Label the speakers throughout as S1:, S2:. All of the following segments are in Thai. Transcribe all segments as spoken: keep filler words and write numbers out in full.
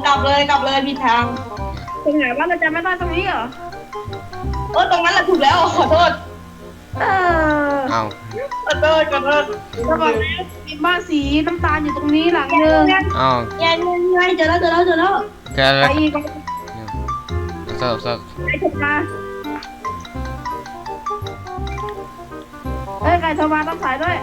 S1: กลับเลยกลับเลยผิดทาง
S2: ตรงไหนว่าเราจะไม่ได้ตรงนี้เหรอ
S1: เออตรงนั้นแหละถูกแล้วขอโทษ
S2: เออ
S3: เอา
S1: ขอโทษขอโทษ
S2: ระหว่างนี้มีบ้านสีน้ำตาลอยู่ตรงนี้หลังนึง
S3: เอา
S1: ยังยังเจอแล้วเจอแล้วเจอแล้ว
S3: แกแล้
S2: ไป
S3: ว
S2: อีก
S3: สอบสอบ
S2: ไก่โทรมาเอ้ยไก่โทรมาต้องสายด้วย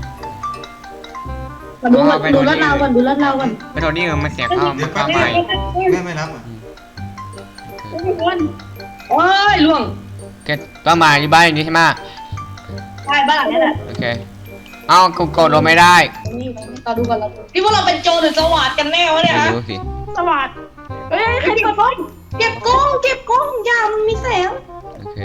S1: มาดูดูรถเราก่อนดูรถเราก่อน
S3: ไปโทษนี่มันเสียข้าวมันข้าวใหม่
S4: แม่ไม่รับอ่ะ
S2: ทุกคน
S1: โอ้ยล่วง
S3: แกต้องมาที่บ้านนี้ใช่ไหม
S1: ใช่บ้านหลังนี้แหละ
S3: โอเคเอากูกดลงไม่ได้
S1: นี่ต่อดูก่อนเรานี่พวกเราเป็นโจรหรือสวัสดกันแน่วะเนี่ย
S3: ไม่
S1: ฮะ
S3: รู้สิ
S2: สวัสดีเอ้ยใครเปิดไฟ
S1: เก็บกล้องเก็บกล้องอย่ามันมีแสง
S3: โอเค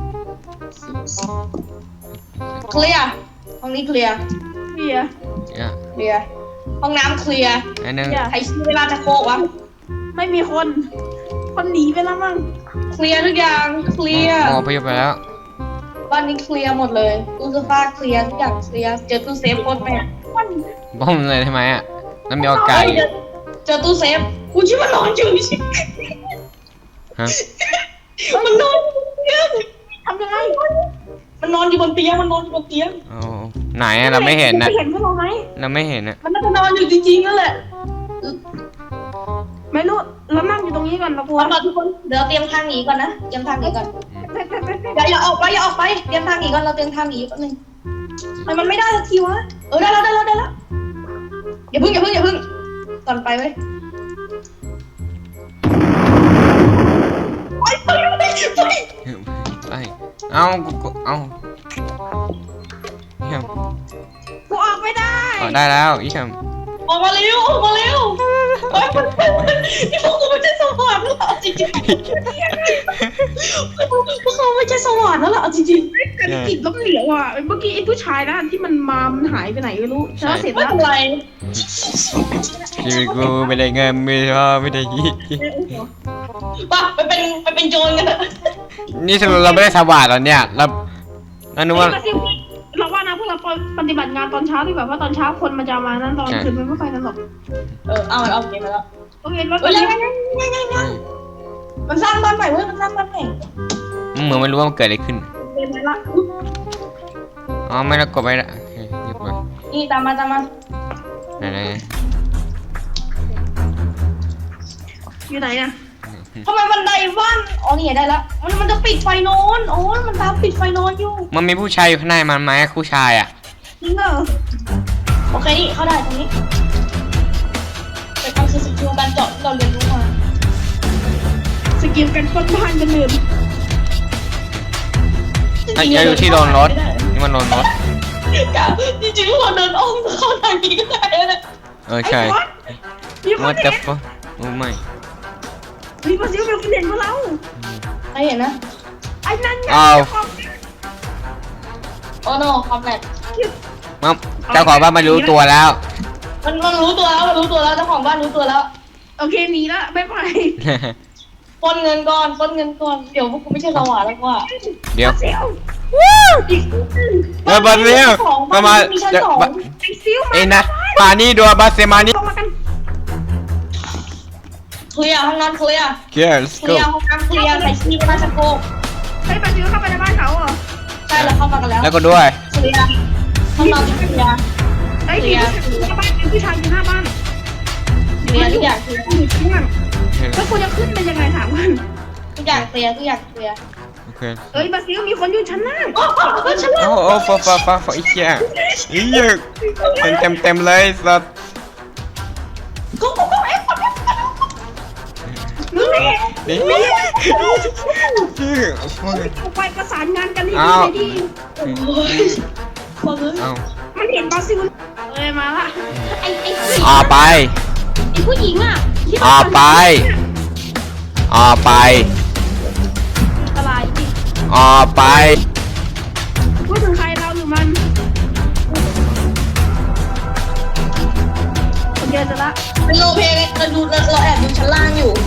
S1: เคลียร์ห้องนี้เคลียร์
S2: เบียร์
S3: เนี่ย
S1: เคลียร์ห้องน้ำเคลียร์
S3: อันนึง
S1: ใครชี้เวลาจะโคกวะ
S2: ไม่มีคน คนหนีไปแล้วมั้ง
S1: เคลียร์ทุกอย่างเคลียร์
S3: มองไปไปแล้ว
S1: บ้านนี้เคลียร์หมดเลยตู้เสื้อผ้าเคลียร์ทุกอย่างเคลียร์เจอตู้เซฟโคตรแม่
S2: มัน
S3: บ้มเลยใช่ไหมอ่ะแล้วมีโอกาส
S1: เจอเจอตู้เซฟกูชิมันนอนอยู่ชิ
S3: ฮะ
S1: มันนอนอยู่บนเตียง
S2: ทำยังไง
S1: มันนอนอยู่บนเตียงมันนอนอยู่บนเตียง
S3: โอ้ไหนอะเราไม่เห็นนะ
S2: ไม่เห็นพวกเราไหม
S3: เราไม่เห็นอะ
S1: มันน่าจะนอนอยู่จริงๆนั่นแหละ
S2: ไม่รู้เรานั่งอยู่ตรงนี้ก่อนเรากลัว
S1: เอามาทุกคนเดี๋ยวเตรียมทางหนีก่อนนะเตรียมทางหนีก่อน
S2: ไปไปไปไป
S1: อย่าอย่าออกไปอย่าออกไปเตรียมทางหนีก่อนเราเตรียมทางหนีแป๊บนึงทำไมมันไม่ได้สักทีวะเออได้แล้วได้แล้วได้แล้วอย่าพึ่งอย่าพึ่งอย่าพึ่งก่อนไปเว้ยไปไปไปไป
S3: ไปเอากูกูเอาเยี่ยม
S2: กูออกไม่ได้
S3: อ๋อได้แล้วเยี่ยม
S1: ออกมาเร็วออกมาเร็วเฮ้ยมันนี่พวกกูไม่ใช่สวรรค์แล้วจริงๆพวกเขาไม่ใช่สวรรค์แล้วล่ะจริงๆ
S2: กันจิตล้มเหลวอ่ะเมื่อกี้ไอ้ผู้ชายนะที่มันมามันหายไปไหนไม่รู้เช้าเสร็จ
S1: ไม่
S2: แล้ว
S1: เป็นไร
S3: ชีวิตกูไม่ได้เงินไม่ได้พ่อไม่ได้ยี่
S1: ป่ะไปเป็นไปเป็นโจรกันเถอะ
S3: นี่สรุปเราไม่ได้สวัสดิ์แล้วเนี่ยเราเรานึกว่า
S2: เราว่านะพวกเราปฏิบัติงานตอนเช้าดีกว่าเพราะตอนเช้าคนมันจะมานั้นตอนคืนมันไม่ไปกันหรอก
S1: เออเอาเอาเกมมาแล้ว
S2: โอเคแล้ว
S1: เฮ้ยยังยังยังยังยังมันสร้างบ้านใหม่เว้ยมันสร้างบ้านใหม่
S3: มึงเหมือนไม่รู้ว่ามันเกิดอะไรขึ้น
S2: เกมละ
S3: อ๋อไม่ได้กดไปละโอเคหยุดมา
S1: นี่ตามมาตามมา
S3: ไหนไหน
S2: อยู่ไหนอ่ะ
S1: ทำไมบันไดบ้านอ๋อนี่ได้แล้วมันมันจะปิดไฟนอนโอ้ยมันตามปิดไฟนอนอยู่
S3: มันมีผู้ชายอยู่ข้างในมันไหมผู้ชายอ่ะ
S2: จริงเหรอ
S1: โอเคนี่เข้าได้ตรงนี้เป็นความคือสกิลการเจาะที่เราเรียนรู้มา
S2: สกิลกันปนบ้านกันอื่น
S3: ไอ้ยอยู่ที่โดนรถนี่มันโดนรถ
S1: จริงๆเราเดินอ้อมเข้าทางนี้ก็ได้นะ
S3: เออใช่
S2: มีคน
S3: ว่า
S2: เห็
S3: แต่
S2: น
S3: ฟโอ้ไม่
S2: มีคนซิวเป็นคนเห็นพวกเรา
S1: ใครเห็นนะ
S2: ไอ้นั่นไง
S3: อ้าว
S1: โอ้โนความแหลก
S3: มัมเจ้าของบ้านมารู้ตัวแล้ว
S1: มันมันรู้ตัวแล้วมันรู้ตัวแล้วเจ้าของบ้านรู้ตัวแล้ว
S2: โอเคหนีละบ๊ายบาย
S1: ปล้นเงินก่อนปล้นเงินก่อนเดี๋ยวพวกกูไม่ใช่สวรรค์แล้วว่า
S3: เดี๋ยว
S2: เซล
S1: อีก
S3: เออบาเซียมามา
S1: มีชั้น
S3: เดี๋ยว
S1: สอง
S3: บะ
S2: ไอ้ซิวมา
S3: เอ็นนะมานี่ดูบาเซมานี่
S2: ลงมากัน
S1: เคลียร์ห้องน้ำเคลียร์
S3: เกียร์
S1: เคลียร์ห้องน้ำเคลียร์ใส่ชีพราชโก
S2: ไอ้ปาซิวเข้าไปในบ้านเขาเหรอ
S1: ใช่แล้วเข้ามากันแล้ว
S3: แล้วก็ด้วย
S1: เคลียร์ห้องนอนเคลียร์
S2: ไอ้มีผู้ชายอยู่หน้าบ้านมีผู้ชายอยู่หน้าบ้าน
S1: เคลียร์ทุกอย่างเคลียร์
S2: อยู่ข้างล่างแล้วคุณจะขึ้นเป็นยังไงถามกัน
S1: ทุกอย่างเคลียร์ทุกอย่างเคลียร์
S3: โอเค
S2: เอ้ยบาซิลมีคนอยู่ชั้นล่าง
S1: โอ้โหฉัน
S3: โอ้โอ้ฟ้าฟ้าฟ้าฟ้าอีกแค่อีกเยอะเต็มเต็มเต็มเลยสัตว์
S1: กูกูกูเอ็กซ์
S2: นี่
S3: นี่
S2: นี่
S3: ชื่อโอ้ย
S2: ไปประสานงานกันให้
S3: อ้า
S2: ดี
S3: ว
S2: เลยดิ
S1: คนเลย
S3: เอ้า
S2: มันเห็นบาซิลเอ้ยมาละ
S1: ไอ้ไอ้ผู้หญิง
S3: ออกไป
S1: ไอ้ผู้หญิงอ่ะที่
S3: ออกไปออกไป
S2: อะไรดิ
S3: ออกไป
S2: พูดถึงใครเราหรือมันคนเดียวจะละ
S1: เป็นโลเพลเราดูเราแอบดูชั้นล่างอยู่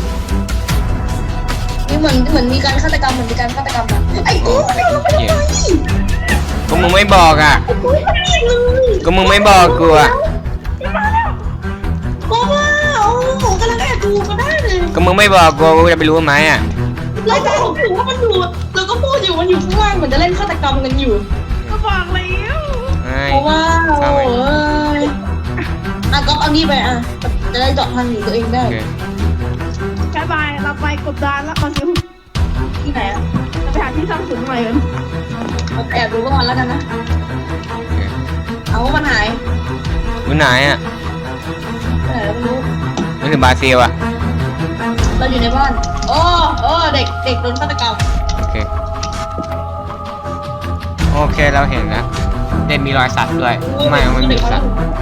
S1: นี่เหมือนเหมือนมีการฆาตกรรมเหมือนมีการฆาตกรรมอะไอ้กูเราไปทำไม
S3: ก็มึงไม่บอกอ่ะ
S1: กูไม่ได้เลย
S3: ก็มึงไม่บอกกูอ่ะ
S1: เพราะว่าโอ้โหกำลังแอบดูก็ได้
S3: ก็มึงไม่บอกกูกูจะไปรู้ไหมอ่ะ
S1: เราก็บอกอยู่ว่ามันอยู่เราก็พูดอยู่มันอยู่ข้างล่างเหมือนจะเล่นฆาตกรรมกันอยู่
S2: ก็บอกแล้ว
S3: ไอ้
S1: เพราะว่า
S3: เข้า
S1: โอ้
S3: ไป
S1: ยอ่ะก็เอานี่ไปอ่ะจะได้เจาะทางหนีตัวเองได้
S3: โอเค
S2: บายบายเราไปกบดานแล้วคอนซิว
S1: ที่ไหนอ่ะ
S2: จะไปหาที่สร้างศูนย์ใหม่กัน
S1: เราแอบดูก่อนแล้วกันนะ
S3: โอเค
S1: เอาว่ามันหาย
S3: อยู่ไหนอ่ะ
S1: ไปไหนเราไม่รู้
S3: นึกถึงบราซิลอ่ะ
S1: เราอยู่ในบ้านโอ้โอ้เด็กเด็กโดนฆาตกรรม
S3: โอเคโอเคเราเห็นแล้วเด็นมีรอยสัตว์ด้วยไม่มันมีสัตว์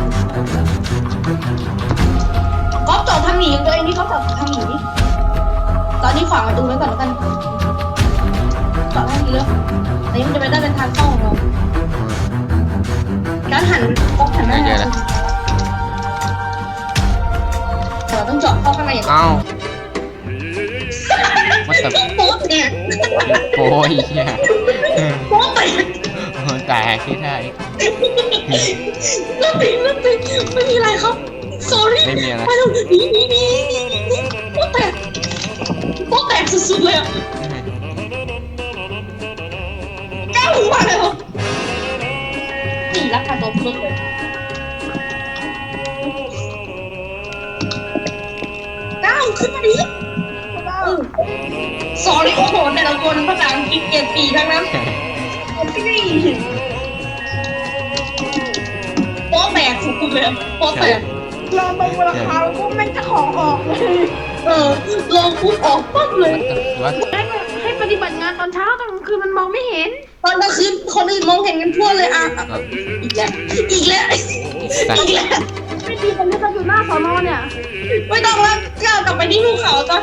S1: ก๊อฟเจาะทางหนีของตัวเองที่เขาเจาะทางหนีตอนนี้ขวางประตูไว้ก่อนแล้วกันเจาะทางหนีเลยอันนี้มันจะไปได้เป็นทางเข้าของเราการหันก๊อฟหันหน้าเราต้องเจาะเข้าข้างในอย่างนี้
S3: เอ้ามาสับ
S1: โป๊ะแตก
S3: โอ้ยเหี้ย
S1: โป๊ะแตก
S3: แต่ที่ได้
S1: เลิกตีเลิกตีไม่มีอะไรครับ sorry
S3: ไม่มีอะไร
S1: ไปแล้วหนีหนีหนีโป๊ะแตกโป๊ะแตกสุดๆเลยอ่ะแก้วหูมาเลยนี่รักการตัวพูดเลยก้าวขึ้นมาดิ sorry โอ้โหแต่ละคนภาษาอังกฤษเกรดสี่ทั้งนั้นที่นี่โป๊ะแตกสุดๆเลยโป๊ะแตก
S2: ลองดูราคาก็แม่งจะของออกเลย
S1: เออลองปุ๊บออกปั๊บเลย
S3: ว่า
S2: ให้ให้ปฏิบัติงานตอนเช้าตอนกลางคืนมันมองไม่เห็น
S1: ตอนกลางคืนคนอื่นมองเห็นกันทั่วเลยอ่ะอีกแล้วอีกแล้วอีกแล้ว
S2: ไม่ดีตอนนี้เราอยู่หน้าสอนอเนี่ย
S1: ไม่ต้องแล้วก้าวกลับไปที่ภูเขาจ้ะ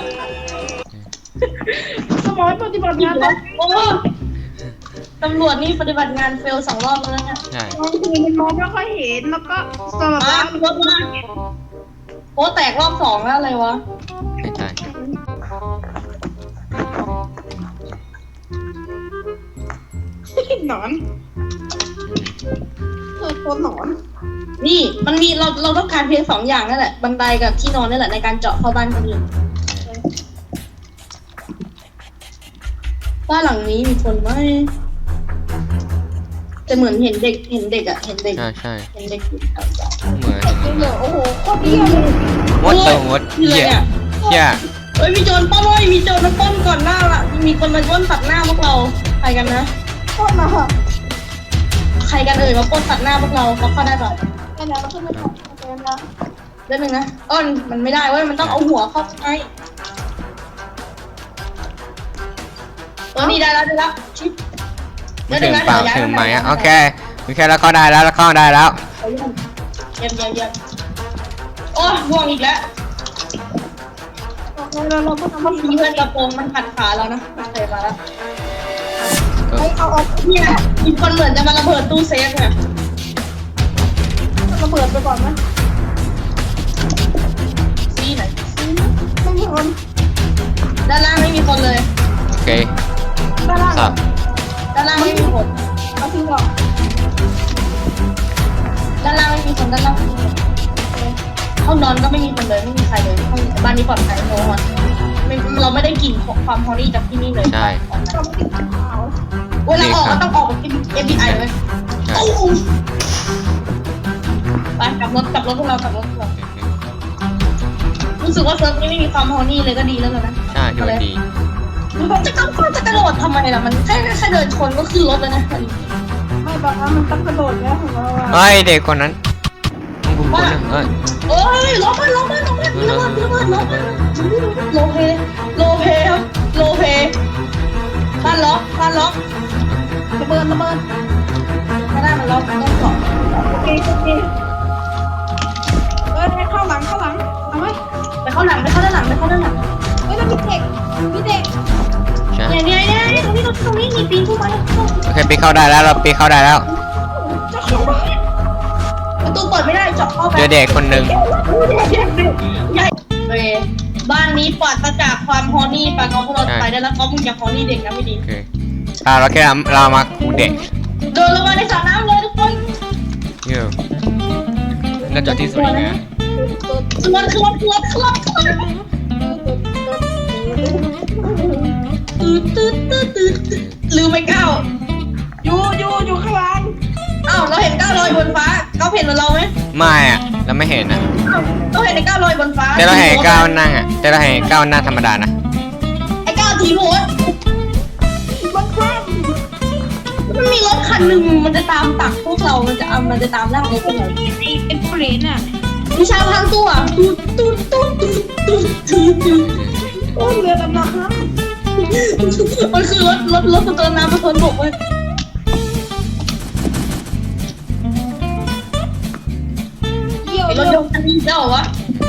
S2: สมองปฏิบัติงานตอน
S1: โอ้ตำรวจนี่ปฏิบัติงานเฟลสองรอบแล้วเนี่ย
S3: ใช่
S2: กลางคืนมันมองไม่ค่อยเห็นแล้วก็สลับ
S1: มา
S2: แล้ว
S1: รถมาโป๊ะแตกรอบสองแล้วอะไรวะ
S3: ไม่ใช่
S2: หนอนเออตัวหนอน
S1: นี่มันมีเราเราต้องการเพียงสองอย่างนั่นแหละบันไดกับที่นอนนี่แหละในการเจาะเข้าบ้านคนอื่นบ้านหลังนี้มีคนไหมแต่เหมือนเห็นเด็กเห็นเด็กอะเห็นเด็ก
S3: ใช่ใช่
S1: เห็นเด็กอยู่แถวๆ
S3: เหมือน
S2: จริงเหรอโอ้โหโคตรเยี่ยมเลย
S3: วัดเตอร์วัด
S1: นี่เล
S3: เหี้
S1: ย
S3: ย
S1: เนี่ย
S3: เหี้ย
S1: เฮ้ยมีโจรปล้นเว้ยมีโจรมาปล้นก่อนหน้าละมีคนมาปล้นตัดหน้าพวกเราใครกันนะ
S2: โคตรหนา
S1: ใครกันเอ่ยมาปล้นตัดหน้าพวกเราเขาเข้าได้เปล่า
S2: แค่นั้นเราขึ้นไม่ได้แค่นั้นนะ
S1: เรื่องนึงนะอ้อนมันไม่ได้เว้ยมันต้องเอาหัวเข้าไปเออนี่ได้แล้วได้แล้วชิป
S3: ไม่ถึงเปล่าถึงไหมอ่ะโอเคโอเคแล้วก็ได้แล้วแล้วก็ได้แล้ว
S1: เยี่ยมเยี่ยมเยี่ยมโอ้ยห่วงอีกแล้ว
S2: โอเคเราเราต้องทำ
S1: เมื่อกี้เพื่อนกระโปรงมันขัดขาแล้วนะโอเคมาแล้ว
S2: ให้เอาออก
S1: เนี่ยมีคนเหมือนจะมาระเบิดตู้เซฟเนี่ย
S2: ระเบิดไปก่อนไหม
S1: ซีไหน
S2: ไม่มีคน
S1: ด้านล่างไม่มีคนเลย
S3: โอเค
S2: ด้านล่าง
S3: สับ
S1: ด้านล่างไม่มีคน
S2: เอาทิ้งก่อน
S1: ด้านล่างไม่มีคนด้านล่างไม่มีคนห้องนอนก็ไม่มีคนเลยไม่มีใครเลยห้องบ้านนี้ปลอดภัยโน้ตไม่เราไม่ได้กลิ่นความฮอรี่จากที่นี่เลย
S3: ใช่
S2: เราไม่ติดขาว
S1: เวลาออกก็ต้องออกแบบ เอฟ บี ไอ เลย
S3: ใช่
S1: โอ้โหไปกลับรถกลับรถพวกเรากลับรถพวกเรารู้สึกว่าเซิร์ฟนี้ไม่มีความฮอรี่เลยก็ดีแล้วนะ
S3: ใช่ดูดี
S1: จะก้าวจะกระโดดทำไมล่ะมันแค่แค่เดินชนก็ขึ้นรถแล้วนะ
S2: ไม่บอกว่ามันต้องกระโดดแล้วของเรา
S3: เฮ้ยเด็กคนนั้นมึงกูคนนึงเอ้ย
S1: โอ้ยล้มมันล้มมันล้มมันล้มมันล้มมันล้มมันโลเพโลเพครับโลเพบ้านล็อกบ้านล็อก
S2: ระเบิดระเบิด
S1: ไม่ได้มันล็อกต้องสอบ
S2: โอเคโอเคเออเข้าหลังเข้าหลังเอาไหม
S1: ไปเข้าหลังไปเข้าด้านหลังไปเข้าด้านหลัง
S2: เฮ้ยแล้วมีเด็กมีเด็ก
S3: ใช่
S1: เนี่ยเนี่ยเนี่ยตรงนี้ตรงนี้มีปีนขึ้นมา
S3: โอเคปีเข้าได้แล้วเราปีเข้าได้แล้ว
S2: จะเข้าบ้าน
S1: ประตูเปิดไม่ได้เจาะเข้าไป
S3: เจอเด็กคนหนึ่ง
S1: ใหญ่โอเคบ้านนี้ปลอดจากความฮอนี่ปะก็พวกเราไปได้แล้วก็มึงอย่าฮอนี่เด็กนะไม่ดี
S3: โอเคอ่าเราแค่เรามาคูเด็ก
S1: เดินลงมาในสระน้ำเลยทุกคน
S3: เยอะน่าจะที่สุดเลยนะ
S1: คือวันคือวันคือวันคือวันคือวันตืดตืดตืดลืมไปก้าว
S2: อยู่อยู่อยู่ข้างล่าง
S1: อ้าวเราเห็นก้าวลอยบนฟ้าก้าวเห็นเหมือนเราไหม
S3: ไม่อะเราไม่เห็นอะ
S1: อ้าวเราเห็นไอ้ก้าวลอยบนฟ้า
S3: แต่เราเห็นก้าวนั่งอะแต่เราเห็นก้าวนั่งธรรมดานะ
S1: ไอ้ก้าวทีโพส
S2: มันคว่
S1: มันมีรถคันหนึ่งมันจะตามตักพวกเรา มันจะเอามันจะตามล่ารถพวกเรา
S2: ำไอ้ไอ้เปรตน่ะ
S1: วิชาพังตัวตูดตูดตูดตูดตูดตูดตูด
S2: โอ้เรือดำน้ำ
S1: มันคือรถรถรถสะเทินน้ำสะเทินบกเว้ย
S2: เยี่ยว
S1: ไอ้ร
S2: เรื
S1: ถ
S2: อย
S1: กคันนี้แล้วเหรอวะ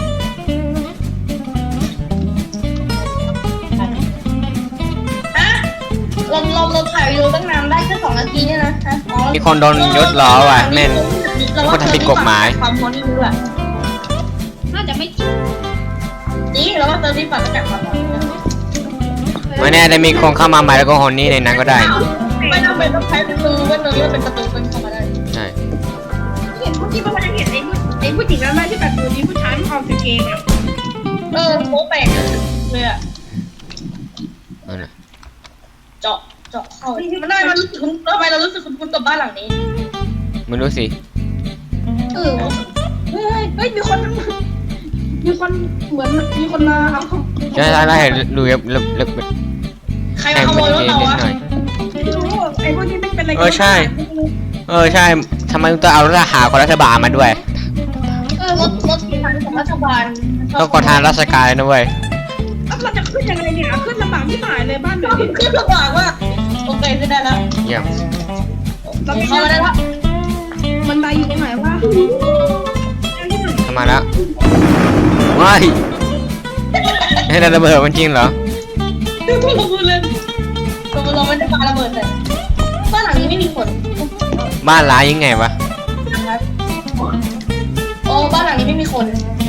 S1: ฮะเราเราเราถ่ายวิดีโอตั้งนานได้แค่สองนาทีเนี่ยนะฮะอ๋อ
S3: มีคนโดนยศล้อว่ะแม่น คนทำผิดกฎหมาย
S1: ความพอนี่ด้วย
S2: น่าจะไม่จริง
S1: นี่เราว่าเติมที่ฝันจากความพอนี่
S3: ไม่แน่ได้มีคนเข้ามาใหม่แล้วก็ฮอนนี่ในนั้นก็ได้
S1: ไม่ต้องเป็นต้องใช้ประตูเว้นเลยว่าเป็นประตูเป็นเข้ามาได้
S3: ใช่
S2: เห็นเมื่อกี้มันยังเห็นไอ้ผู้ไอ้ผู้หญิงนั้นไหมที่แบบอยู่นี้ผู้ชายมันออกจากเกงอ่ะ
S1: เออโป๊แปลกเลยอะ
S3: นั่นน่ะ
S1: เจาะเจาะเข้ามันได้มันรู้สึกคุ้นทำไมเรารู้สึกคุ้นกับบ้านหลังนี้
S3: ไม่รู้สิ
S1: เออ
S2: เฮ้ยเฮ้ยมีคนมีคนเหมือนมีคนมาเอาของ
S3: ใช่ใช่ใช่เห็นดูเล็บเล็บเล็บ
S1: ใครมาขโมยรถเรา
S3: นิด
S1: อะ
S3: หน่อย
S2: ไม่รู้ไอ้พวกนี้ไม่เป็นอะไรกัน
S3: เออใช่ เออใช่ทำไมต้องเอาทหารของรัฐบาลมาด้วย
S1: เออรถรถทางของรัฐบาล
S3: ต้องกดทางราชการเลยนะเว้ย
S2: แล้วเราจะขึ้นยังไงเนี่ยขึ้นลำบากที่หายเลยบ้านเลย
S1: ขึ้นลำบากว่าโอเคขึ้นได้แล้ว
S3: เยี่ยม
S1: เข้ามาได้แล้ว
S2: มันไดอยู่ตรงไหนวะ
S3: เข้ามาแล้วว้ายให้ระเบิดมันจริงเหรอ
S1: พูดพูดเลยเราเราไม่ได้ปาระเบิดเลยบ้านหลังนี้ไม่มีคน
S3: บ้านร้ายยังไงวะ
S1: นะครับโอ้บ้านหลังนี้ไม่มีคน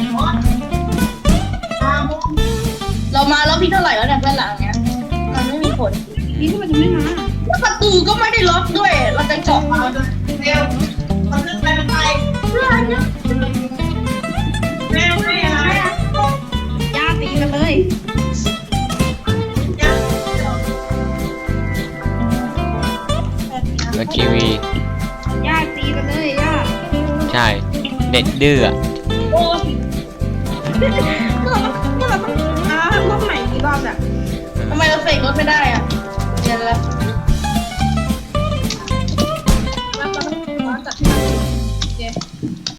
S1: เรามาแล้วพี่เท่าไหร่แล้วเนี่ยบ้านหลังเนี้ยมันไม่มีคน
S2: นี่ที่มันจะไม่มา
S1: แล้วประตูก็ไม่ได้ล็อกด้วย เราจะเจาะมาเร็วมันขึ้นไปมันไปเพื่อนเนี่ยแมวไม่อะไร
S2: ย่าตีกันเลย
S3: แล้วทีวี
S2: ย่าตีกันเลยย่า
S3: ใช่ เด็ดดื้ออะ
S1: โอ้
S2: เมื่อเราเมื่อเราต้องอ่ารอบใหม่กี่รอบเนี่ย
S1: ทำไมเราเสกรถไม่ได้อ่ะเดี๋ยวแล้ว
S2: แล้วเราต้องมาจัดที่นั่นโอเค